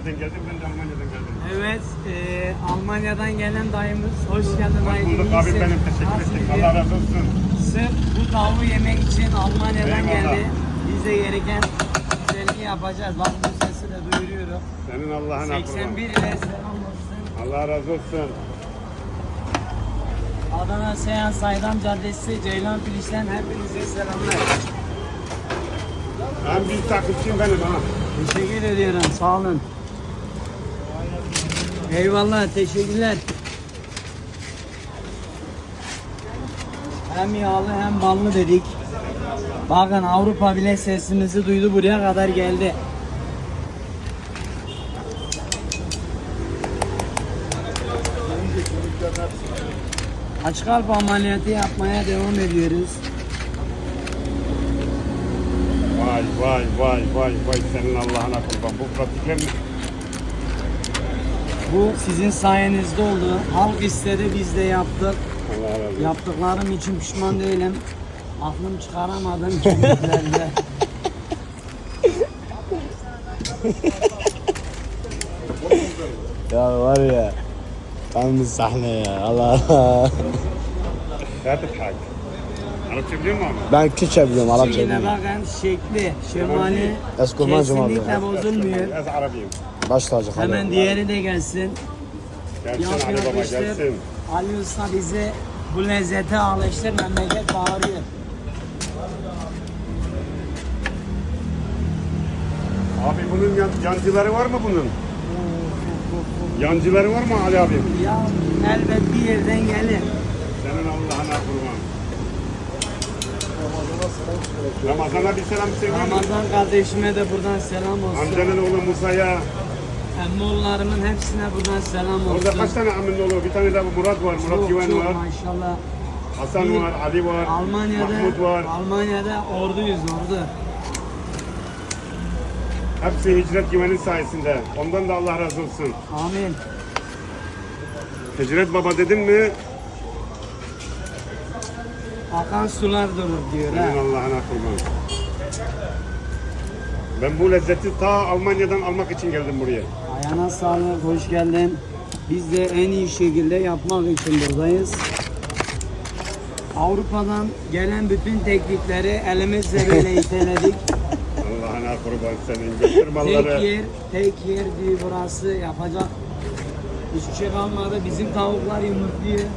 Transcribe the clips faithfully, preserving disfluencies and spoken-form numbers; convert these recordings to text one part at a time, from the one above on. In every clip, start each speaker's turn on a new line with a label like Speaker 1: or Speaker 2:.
Speaker 1: nereden geldin? Ben de Almanya'dan geldim.
Speaker 2: Evet, e, Almanya'dan gelen dayımız. Hoş geldin
Speaker 1: Hoş
Speaker 2: dayıcım.
Speaker 1: bulduk abi,
Speaker 2: İyisin.
Speaker 1: benim teşekkür
Speaker 2: Nasıl
Speaker 1: ettik.
Speaker 2: gidiyor?
Speaker 1: Allah razı olsun.
Speaker 2: Sırf bu tavuğu yemek için Almanya'dan
Speaker 1: Eyvallah.
Speaker 2: geldi. Biz de gereken güzelliği yapacağız. Bak bu sesi de duyuruyorum.
Speaker 1: Senin Allah'ın
Speaker 2: seksen bir
Speaker 1: akıllı.
Speaker 2: ile selam olsun.
Speaker 1: Allah razı olsun.
Speaker 2: Adana Seyhan Saydam Caddesi, Ceylan Filiş'ten hepinize selamlar.
Speaker 1: En büyük takipçim benim ha.
Speaker 2: Teşekkür ediyorum, sağ olun. Eyvallah, teşekkürler. Hem yağlı hem ballı dedik. Bakın Avrupa bile sesimizi duydu, buraya kadar geldi. Aç kalp ameliyatı yapmaya devam ediyoruz.
Speaker 1: Vay vay vay vay vay senin Allah'ına kurban. Bu pratikler mi?
Speaker 2: Bu sizin sayenizde oldu. Halk istedi, biz de yaptık.
Speaker 1: Allah razı olsun.
Speaker 2: Yaptıklarım için pişman değilim. Aklım çıkaramadım kimliklerde.
Speaker 3: Ya var ya. Tam bir sahne ya. Allah Allah.
Speaker 1: لا تضحك. Arapça biliyor musun abi?
Speaker 3: Ben Kürtçe biliyorum, Arapça
Speaker 2: Şimdi
Speaker 3: bilmiyorum.
Speaker 2: bakın şekli, şemali
Speaker 3: Eskurmancım abi.
Speaker 2: kesinlikle bozulmuyor.
Speaker 1: Ez Arabiyim.
Speaker 3: Baş tacı
Speaker 2: Hemen
Speaker 3: kalıyor.
Speaker 2: diğeri de gelsin.
Speaker 1: Gelsin
Speaker 2: Yap
Speaker 1: Ali Baba
Speaker 2: yapıştır.
Speaker 1: gelsin.
Speaker 2: Ali Usta bizi bu lezzete alıştır, memleket bağırıyor.
Speaker 1: Abi bunun yan, yancıları var mı bunun? Yancıları var mı Ali abi?
Speaker 2: Ya elbet bir yerden gelir.
Speaker 1: Senin Allah'ına kurban. Ramazan'a bir selam söyleyeyim mi?
Speaker 2: Ramazan kardeşime de buradan selam olsun.
Speaker 1: Amcanın oğlu Musa'ya.
Speaker 2: Emmoğullarımın hepsine buradan selam olsun.
Speaker 1: Orada kaç tane amının oğlu? Bir tane de bu Murat var, Murat
Speaker 2: Çok
Speaker 1: Güven
Speaker 2: çok
Speaker 1: var.
Speaker 2: maşallah.
Speaker 1: Hasan
Speaker 2: Bir-
Speaker 1: var, Ali var,
Speaker 2: Almanya'da,
Speaker 1: Mahmut var.
Speaker 2: Almanya'da orduyuz ordu.
Speaker 1: Hepsi Hicret Güven'in sayesinde. Ondan da Allah razı olsun.
Speaker 2: Amin.
Speaker 1: Hicret Baba dedin mi?
Speaker 2: Akan sular durur diyor ha.
Speaker 1: Senin Allah'ına kurban. Ben bu lezzeti ta Almanya'dan almak için geldim buraya.
Speaker 2: Ayağına sağlık, hoş geldin. Biz de en iyi şekilde yapmak için buradayız. Avrupa'dan gelen bütün teknikleri elimizle böyle iteledik.
Speaker 1: Allah'ına kurban senin. Götür
Speaker 2: Tek
Speaker 1: malları.
Speaker 2: yer, tek yer diyor burası yapacak. Hiçbir şey kalmadı. Bizim tavuklar yumurtluyor.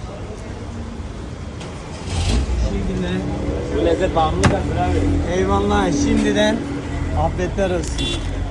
Speaker 2: Şimdi
Speaker 3: Bu lezzet bağımlı da abi.
Speaker 2: eyvallah şimdiden afiyetler olsun.